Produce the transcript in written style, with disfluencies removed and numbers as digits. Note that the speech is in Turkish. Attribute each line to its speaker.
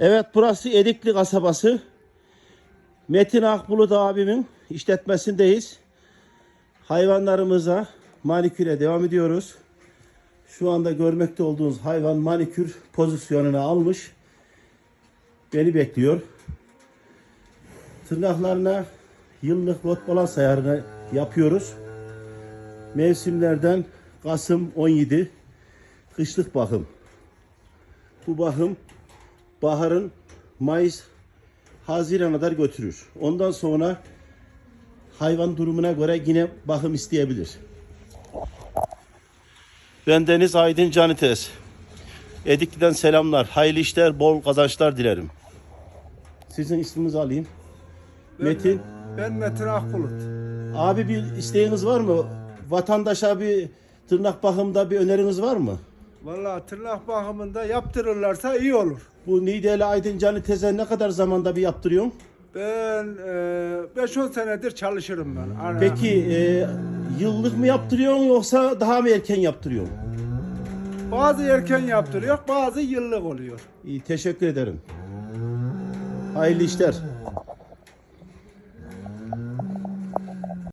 Speaker 1: Evet, burası Edikli kasabası. Metin Akbulut abimin işletmesindeyiz. Hayvanlarımıza maniküre devam ediyoruz. Şu anda görmekte olduğunuz hayvan manikür pozisyonuna almış. Beni bekliyor. Tırnaklarına yıllık rot balans ayarını yapıyoruz. Mevsimlerden Kasım 17 kışlık bakım. Bu bakım baharın Mayıs Haziran'a kadar götürür. Ondan sonra hayvan durumuna göre yine bakım isteyebilir. Ben Deniz Aydın Canites. Edikli'den selamlar. Hayırlı işler, bol kazançlar dilerim. Sizin isminizi alayım. Metin.
Speaker 2: Ben Metin Akbulut.
Speaker 1: Abi bir isteğiniz var mı? Vatandaşa bir tırnak bakımında bir öneriniz var mı?
Speaker 2: Vallahi tırnak bakımında yaptırırlarsa iyi olur.
Speaker 1: Bu Nideli Aydın Canites'e ne kadar zamanda bir yaptırıyorsun?
Speaker 2: Ben 5-10 senedir çalışırım ben.
Speaker 1: Peki yıllık mı yaptırıyorsun yoksa daha mı erken yaptırıyorsun?
Speaker 2: Bazı erken yaptırıyor, bazı yıllık oluyor.
Speaker 1: İyi, teşekkür ederim. Hayırlı işler.